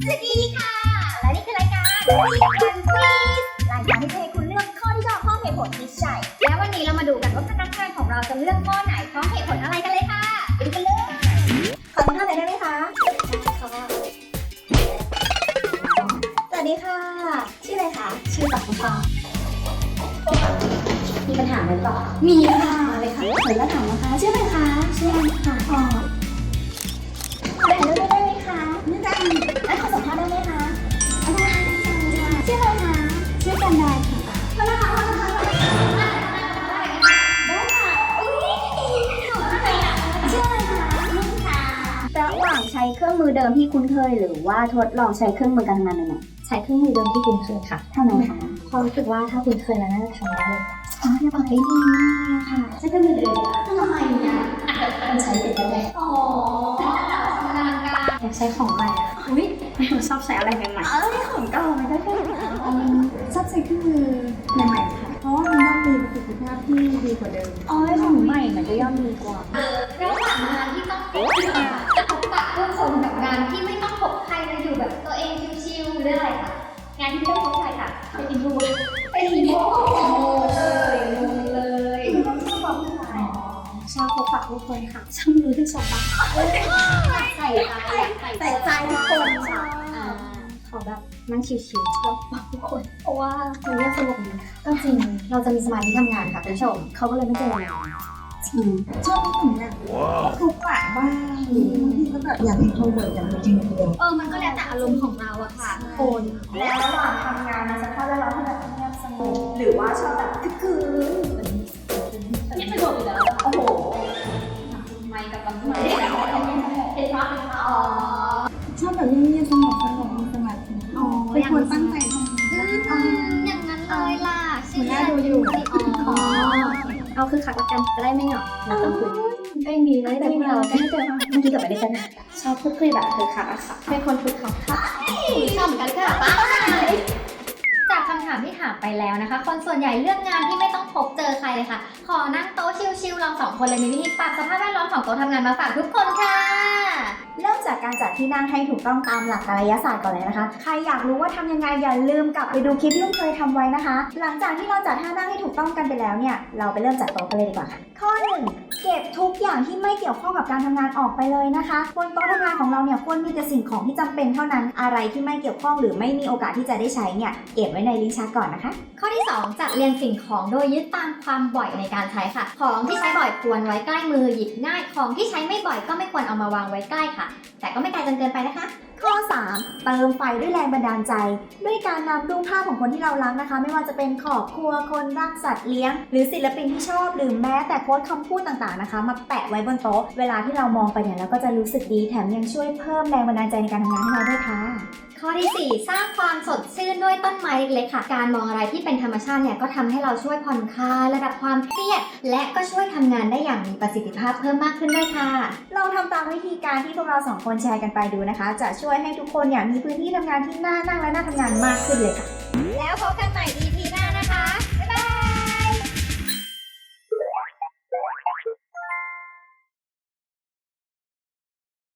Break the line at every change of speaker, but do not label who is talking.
สวัสดีค่ะและนี่คือรายการคุยกันควิสรายการที่จะให้คุณเลือกข้อที่ชอบข้อเหตุผลที่ใช่แล้ววันนี้เรามาดูกันว่าพนักงานของเราจะเลือกข้อไหนเพราะเหตุผลอะไรกันเลยค่ะไปดูกันเลยขอสัมภาษณ์หน่อยได้ไหมคะสวัสดีค่ะชื่ออะไรคะชื่อปักค่ะมีปัญหาไหมหรอมีค่ะเลยค่ะขออนุญาตถามนะคะชื่ออะไรคะชื่ออะไรค่ะอ๋อได้ไหมคะไม่ได้แล้วขอสัมภาษณ์ได้ไหมคะได้ค่ะชื่ออะไรคะชื่อกันดาค่ะได้ค่ะอุ้ยอะไรอ่ะชื่ออะไรคะนุ่นค่ะระหว่างใช้เครื่องมือเดิมที่คุ้นเคยหรือว่าทดลองใช้เครื่องมือการทำงานใหม่ๆใช้เครื่องมือเดิมที่คุ้นเคยค่ะทำไมคะเพราะรู้สึกว่าถ้าคุ้นเคยแล้วน่าจะทำได้เลยอ๋อเนี่ยบอกได้ดีมากเลยค่ะใช้เครื่องมือเดิมทำไมเนี่ยมันใช้เป็นยังไงอ๋ออยากใช้ของใหม่อะอุ้ยชอบใช้อะไรใหม่ๆของเก่าไม่ได้แค่
ชอบใช้เครื่องมือใหม่ๆค่ะ เพราะว่ามันย่อมมีประสิทธิภาพที่ดีกว่าเดิม
ของใหม่มันจะย่อมดีกว่าระหว่างงานที่ต้องพบปะผู้คนกับงานที่ไม่ต้องพบใครเลยอยู่แบบตัวเองชิวๆหรืออะไรค่ะงานที่ไม่ต้องพบใครค่ะเป็นอินโทรเวิร์ตเป็นอินโทรเลย
ชอบพบปะผู้คนค่ะชอบรู้ที่ชอบปะ
ใส่ใจทุกคนค่ะ
ขอแบบนั่งชิวๆชอบปะผู้คนเพราะว่ามันเงียบสงบดี
ก็จริงเราจะมีสมาธิทำงานค่ะคุณผู้ชมเขาก็เลยไม่เจอเรา
ชอบผู้คนเนี่ยทุกปะบ้างบางทีก็แบบอยากเป็นโทรเวิร์ดอยากเป็นจริงเดียว
มันก็แล้วแต่อารมณ์ของเราอะค่ะ
คนแล้วระหว่างทำงานในสภาพแวดล้อมที่แบบเงียบสงบหรือว่าชอบแบบคึก
นี่สะดวกอยู่แล้วโอ้โหไม่กับลำไม้เป็นภาพ
ชอบแบบเงียบๆสงบมีสมาธิเป็นคนตั้งใจทำ
อย่างนั้นเลยล่ะ
หัวหน้าดูอยู่
เอาคือขัดละกันจะได้ไม่เหงาเราต้องคุยไม่มีเลยแต่เราไม่เจอเมื่อกี้กลับไปได้กันชอบพูดคุยแบบคือขัดอะค่ะเป็นคนคุยขัดค่ะชอบเหมือนกันค่ะป้าจากคำถามที่ถามไปแล้วนะคะคนส่วนใหญ่เลือกงานที่ไม่ต้องพบเจอใครเลยค่ะขอนั่งโต๊ะชิลๆเราสองคนเลยมีวิธีปรับสภาพแวดล้อมของโต๊ะทำงานมาฝากทุกคนค่ะเริ่มจากการจัดที่นั่งให้ถูกต้องตามหลักกายศาสตร์ก่อนเลยนะคะใครอยากรู้ว่าทำยังไงอย่าลืมกลับไปดูคลิปที่ลุงเคยทำไว้นะคะหลังจากที่เราจัดท่านั่งให้ถูกต้องกันไปแล้วเนี่ยเราไปเริ่มจัดโต๊ะกันเลยดีกว่าค่ะข้อ 1 เก็บทุกอย่างที่ไม่เกี่ยวข้องกับการทำงานออกไปเลยนะคะบนโต๊ะทำงานของเราเนี่ยควรมีแต่สิ่งของที่จำเป็นเท่านั้นอะไรที่ไม่เกี่ยวข้องหรือไม่มีโอกาสที่จะได้ใช้เนี่ยเก็บไว้ในลิ้นชักก่อนนะคะข้อที่ 2 จัดเรียงสิ่งของโดยยึดตามความบ่อยในการใช้ค่ะของที่ใช้บ่อยควรไว้ใกล้มือหยิบง่ายของที่ใช้ไม่บ่อยก็ไม่ควรเอามาวางไว้ใกล้ค่ะแต่ก็ไม่ไกลจนเกินไปนะคะข้อ 3 เติมไฟด้วยแรงบันดาลใจด้วยการนำรูปภาพของคนที่เรารักนะคะไม่ว่าจะเป็นครอบครัวคนรักสัตว์เลี้ยงหรือศิลปินที่ชอบหรือแม้แต่โค้ดคำพูดต่างๆนะคะมาแปะไว้บนโต๊ะเวลาที่เรามองไปเนี่ยเราก็จะรู้สึกดีแถมยังช่วยเพิ่มแรงบันดาลใจในการทำงานให้เราด้วยค่ะข้อที่ 4 สร้างความสดชื่นด้วยต้นไม้เล็กๆค่ะการมองอะไรที่เป็นธรรมชาติเนี่ยก็ทำให้เราช่วยผ่อนคลายระดับความเครียดและก็ช่วยทำงานได้อย่างมีประสิทธิภาพเพิ่มมากขึ้นด้วยค่ะเราทำตามวิธีการที่พวกเรา2คนแชร์กันไปดูนะคะจะช่วยให้ทุกคนเนี่ยมีพื้นที่ทำงานที่น่านั่งและน่าทำงานมากขึ้นเลยค่ะแล้วพบกันใหม่ EP